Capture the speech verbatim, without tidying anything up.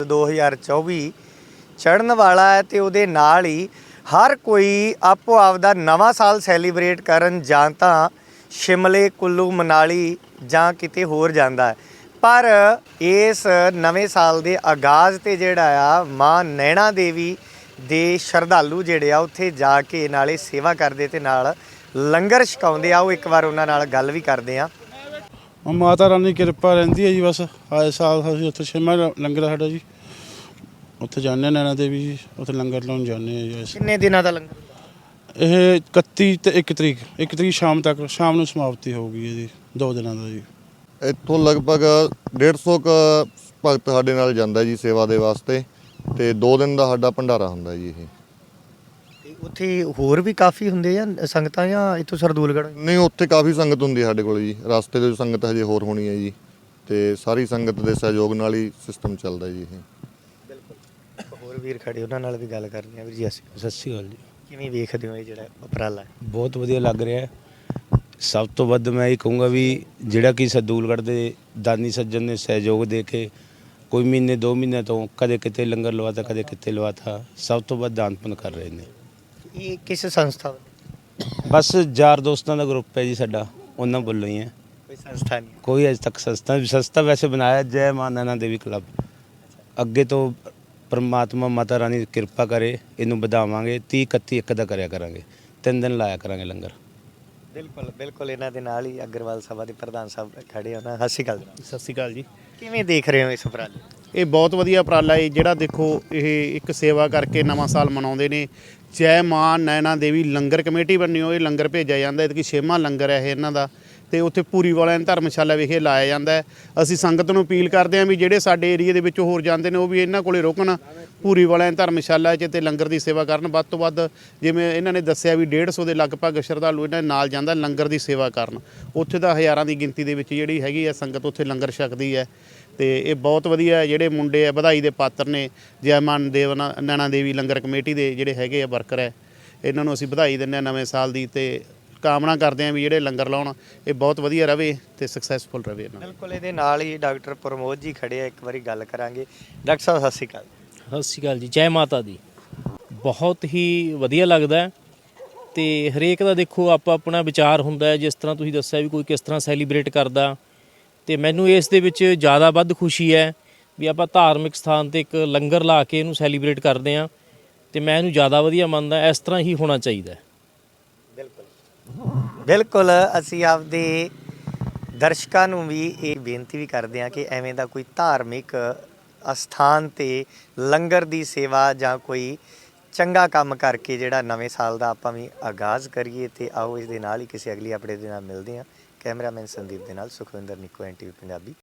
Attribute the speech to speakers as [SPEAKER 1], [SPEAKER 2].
[SPEAKER 1] दो हज़ार चौबी चढ़न वाला है तो उहदे नाल ही हर कोई आपो आपदा नवां साल सैलीब्रेट करन जां तां शिमले कुल्लू मनाली जां किते होर जांदा है। पर इस नवें साल के आगाज़ ते जिहड़ा आ मां नैना देवी दे शरधालू जिहड़े आ उत्थे जाके नाले सेवा करदे ते नाल लंगर छकाउंदे आ। एक बार उन्हां नाल गल भी करदे आ।
[SPEAKER 2] माता रानी की किरपा रहिंदी है जी। बस आए साल असीं उत्थे छेवां लंगर साडा जी, उत्थे जाने नैना देवी जी, उत्थे लंगर लाउण जाने जी।
[SPEAKER 1] किन्ने दिनां दा लंगर?
[SPEAKER 2] ਇਹ इकत्ती ਤੇ ਇੱਕ ਤਰੀਕ ਇੱਕ ਤਰੀਕ ਸ਼ਾਮ ਤੱਕ ਸ਼ਾਮ ਨੂੰ ਸਮਾਪਤੀ ਹੋਊਗੀ ਇਹਦੀ, ਦੋ ਦਿਨਾਂ ਦਾ ਜੀ।
[SPEAKER 3] ਇੱਥੋਂ ਲਗਭਗ ਡੇਢ ਸੌ ਕੁ ਭਗਤ ਸਾਡੇ ਨਾਲ ਜਾਂਦਾ ਜੀ ਸੇਵਾ ਦੇ ਵਾਸਤੇ, ਤੇ ਦੋ ਦਿਨ ਦਾ ਸਾਡਾ ਭੰਡਾਰਾ ਹੁੰਦਾ ਜੀ। ਇਹ
[SPEAKER 1] ਤੇ ਉੱਥੇ ਹੋਰ ਵੀ ਕਾਫੀ ਹੁੰਦੇ ਆ ਸੰਗਤਾਂ ਜਾਂ ਇੱਥੋਂ ਸਰਦੂਲਗੜ੍ਹ?
[SPEAKER 3] ਨਹੀਂ, ਉੱਥੇ ਕਾਫੀ ਸੰਗਤ ਹੁੰਦੀ ਸਾਡੇ ਕੋਲ ਜੀ। ਰਸਤੇ ਦੇ ਸੰਗਤ ਹਜੇ ਹੋਰ ਹੋਣੀ ਹੈ ਜੀ, ਤੇ ਸਾਰੀ ਸੰਗਤ ਦੇ ਸਹਿਯੋਗ ਨਾਲ ਹੀ ਸਿਸਟਮ ਚੱਲਦਾ ਜੀ ਇਹ।
[SPEAKER 1] ਬਿਲਕੁਲ, ਹੋਰ ਵੀਰ ਖੜੇ ਉਹਨਾਂ ਨਾਲ ਵੀ ਗੱਲ ਕਰਨੀ ਆ। ਵੀਰ ਜੀ ਅਸੀਂ
[SPEAKER 4] ਸਤਿ ਸ਼੍ਰੀ ਅਕਾਲ ਜੀ।
[SPEAKER 1] ਕਿਵੇਂ ਵੇਖਦੇ ਹੋ ਇਹ ਜਿਹੜਾ ਉਪਰਾਲਾ?
[SPEAKER 4] ਬਹੁਤ ਵਧੀਆ ਲੱਗ ਰਿਹਾ ਹੈ। ਸਭ ਤੋਂ ਵੱਧ ਮੈਂ ਇਹ ਕਹੂੰਗਾ ਵੀ ਜਿਹੜਾ ਕਿ ਸਰਦੂਲਗੜ੍ਹ ਦੇ ਦਾਨੀ ਸੱਜਣ ਨੇ ਸਹਿਯੋਗ ਦੇ ਕੇ ਕੋਈ ਮਹੀਨੇ ਦੋ ਮਹੀਨੇ ਤੋਂ ਕਦੇ ਕਿਤੇ ਲੰਗਰ ਲਵਾਤਾ ਕਦੇ ਕਿਤੇ ਲਵਾਤਾ, ਸਭ ਤੋਂ ਵੱਧ ਦਾਨ ਪੁੰਨ ਕਰ ਰਹੇ ਨੇ।
[SPEAKER 1] ਇਹ ਕਿਸ ਸੰਸਥਾ?
[SPEAKER 4] ਬਸ ਯਾਰ ਦੋਸਤਾਂ ਦਾ ਗਰੁੱਪ ਹੈ ਜੀ ਸਾਡਾ, ਉਹਨਾਂ ਵੱਲੋਂ ਹੀ ਹੈ।
[SPEAKER 1] ਕੋਈ ਸੰਸਥਾ ਨਹੀਂ?
[SPEAKER 4] ਕੋਈ ਅਜੇ ਤੱਕ ਸੰਸਥਾ ਸੰਸਥਾ ਵੈਸੇ ਬਣਾਇਆ ਜੈ ਮਾਂ ਨੈਣਾ ਦੇਵੀ ਕਲੱਬ। ਅੱਗੇ ਤੋਂ ਪਰਮਾਤਮਾ ਮਾਤਾ ਰਾਣੀ ਕਿਰਪਾ ਕਰੇ, ਇਹਨੂੰ ਵਧਾਵਾਂਗੇ। ਤੀਹ ਇਕੱਤੀ ਇੱਕ ਦਾ ਕਰਿਆ ਕਰਾਂਗੇ, ਤਿੰਨ ਦਿਨ ਲਾਇਆ ਕਰਾਂਗੇ ਲੰਗਰ।
[SPEAKER 1] ਬਿਲਕੁਲ ਬਿਲਕੁਲ, ਇਹਨਾਂ ਦੇ ਨਾਲ ਹੀ ਅਗਰਵਾਲ ਸਭਾ ਦੇ ਪ੍ਰਧਾਨ ਸਾਹਿਬ ਖੜੇ ਹੋਣਾ। ਸਤਿ ਸ਼੍ਰੀ ਅਕਾਲ।
[SPEAKER 5] ਸਤਿ ਸ਼੍ਰੀ ਅਕਾਲ ਜੀ।
[SPEAKER 1] ਕਿਵੇਂ ਦੇਖ ਰਹੇ ਹੋ ਇਸ ਉਪਰਾਲੇ?
[SPEAKER 5] ਇਹ ਬਹੁਤ ਵਧੀਆ ਉਪਰਾਲਾ ਹੈ ਜਿਹੜਾ ਦੇਖੋ ਇਹ ਇੱਕ ਸੇਵਾ ਕਰਕੇ ਨਵਾਂ ਸਾਲ ਮਨਾਉਂਦੇ ਨੇ। ਜੈ ਮਾਂ ਨੈਣਾ ਦੇਵੀ ਲੰਗਰ ਕਮੇਟੀ ਬਣੀ ਹੋਈ, ਲੰਗਰ ਭੇਜਿਆ ਜਾਂਦਾ। ਇਹ ਕਿ ਛੇਵਾਂ ਲੰਗਰ ਹੈ ਇਹ ਇਹਨਾਂ ਦਾ, ਤੇ ਉੱਥੇ ਪੂਰੀ ਵਾਲਿਆਂ ਧਰਮਸ਼ਾਲਾ ਵਿਖੇ ਲਾਇਆ ਜਾਂਦਾ ਹੈ। ਅਸੀਂ ਸੰਗਤ ਨੂੰ ਅਪੀਲ ਕਰਦੇ ਹਾਂ ਵੀ ਜਿਹੜੇ ਸਾਡੇ ਏਰੀਏ ਦੇ ਵਿੱਚੋਂ ਹੋਰ ਜਾਂਦੇ ਨੇ ਉਹ ਵੀ ਇਹਨਾਂ ਕੋਲੇ ਰੁਕਣ, ਪੂਰੀ ਵਾਲਿਆਂ ਧਰਮਸ਼ਾਲਾ 'ਚ ਤੇ ਲੰਗਰ ਦੀ ਸੇਵਾ ਕਰਨ ਵੱਧ ਤੋਂ ਵੱਧ। ਜਿਵੇਂ ਇਹਨਾਂ ਨੇ ਦੱਸਿਆ ਵੀ ਡੇਢ ਸੌ ਦੇ ਲਗਭਗ ਸ਼ਰਧਾਲੂ ਇਹਨਾਂ ਦੇ ਨਾਲ ਜਾਂਦਾ ਲੰਗਰ ਦੀ ਸੇਵਾ ਕਰਨ। ਉੱਥੇ ਦਾ ਹਜ਼ਾਰਾਂ ਦੀ ਗਿਣਤੀ ਦੇ ਵਿੱਚ ਜਿਹੜੀ ਹੈਗੀ ਹੈ ਸੰਗਤ ਉੱਥੇ ਲੰਗਰ ਛਕਦੀ ਹੈ, ਤੇ ਇਹ ਬਹੁਤ ਵਧੀਆ। ਜਿਹੜੇ ਮੁੰਡੇ ਆ ਵਧਾਈ ਦੇ ਪਾਤਰ ਨੇ, ਜੈ ਮਾਂ ਦੇਵ ਨੈਣਾ ਦੇਵੀ ਲੰਗਰ ਕਮੇਟੀ ਦੇ ਜਿਹੜੇ ਹੈਗੇ ਆ ਵਰਕਰ ਹੈ, ਇਹਨਾਂ ਨੂੰ ਅਸੀਂ ਵਧਾਈ ਦਿੰਦੇ ਹਾਂ ਨਵੇਂ ਸਾਲ ਦੀ, ਤੇ ਕਾਮਨਾ ਕਰਦੇ ਹਾਂ ਵੀ ਜਿਹੜੇ ਲੰਗਰ ਲਾਉਣ ਇਹ ਬਹੁਤ ਵਧੀਆ ਰਵੇ ਤੇ ਸਕਸੈਸਫੁਲ ਰਵੇ।
[SPEAKER 1] ਬਿਲਕੁਲ, ਇਹਦੇ ਨਾਲ ਹੀ ਡਾਕਟਰ ਪ੍ਰਮੋਦ ਜੀ ਖੜੇ ਆ, ਇੱਕ ਵਾਰੀ ਗੱਲ ਕਰਾਂਗੇ। ਡਾਕਟਰ ਸਾਹਿਬ ਸਤਿ ਸ਼੍ਰੀ ਅਕਾਲ।
[SPEAKER 6] ਸਤਿ ਸ਼੍ਰੀ ਅਕਾਲ ਜੀ। ਜੈ ਮਾਤਾ ਦੀ। ਬਹੁਤ ਹੀ ਵਧੀਆ ਲੱਗਦਾ, ਤੇ ਹਰੇਕ ਦਾ ਦੇਖੋ ਆਪਾ ਆਪਣਾ ਵਿਚਾਰ ਹੁੰਦਾ। ਜਿਸ ਤਰ੍ਹਾਂ ਤੁਸੀਂ ਦੱਸਿਆ ਵੀ ਕੋਈ ਕਿਸ ਤਰ੍ਹਾਂ ਸੈਲੀਬ੍ਰੇਟ ਕਰਦਾ, ਤੇ ਮੈਨੂੰ ਇਸ ਦੇ ਵਿੱਚ ਜ਼ਿਆਦਾ ਵੱਧ ਖੁਸ਼ੀ ਹੈ ਵੀ ਆਪਾਂ ਧਾਰਮਿਕ ਸਥਾਨ 'ਤੇ ਇੱਕ ਲੰਗਰ ਲਾ ਕੇ ਇਹਨੂੰ ਸੈਲੀਬ੍ਰੇਟ ਕਰਦੇ ਹਾਂ, ਤੇ ਮੈਂ ਇਹਨੂੰ ਜ਼ਿਆਦਾ ਵਧੀਆ ਮੰਨਦਾ। ਇਸ ਤਰ੍ਹਾਂ ਹੀ ਹੋਣਾ ਚਾਹੀਦਾ।
[SPEAKER 1] ਬਿਲਕੁਲ ਬਿਲਕੁਲ, ਅਸੀਂ ਆਪਦੇ ਦਰਸ਼ਕਾਂ ਨੂੰ ਵੀ ਇਹ ਬੇਨਤੀ ਵੀ ਕਰਦੇ ਹਾਂ ਕਿ ਐਵੇਂ ਦਾ ਕੋਈ ਧਾਰਮਿਕ ਅਸਥਾਨ 'ਤੇ ਲੰਗਰ ਦੀ ਸੇਵਾ ਜਾਂ ਕੋਈ ਚੰਗਾ ਕੰਮ ਕਰਕੇ ਜਿਹੜਾ ਨਵੇਂ ਸਾਲ ਦਾ ਆਪਾਂ ਵੀ ਆਗਾਜ਼ ਕਰੀਏ। ਤੇ ਆਓ ਇਸ ਦੇ ਨਾਲ ਹੀ ਕਿਸੇ ਅਗਲੀ ਅਪਡੇਟ ਦੇ ਨਾਲ ਮਿਲਦੇ ਹਾਂ। ਕੈਮਰਾਮੈਨ ਸੰਦੀਪ ਦੇ ਨਾਲ Sukhwinder Nikko, N T V Punjabi.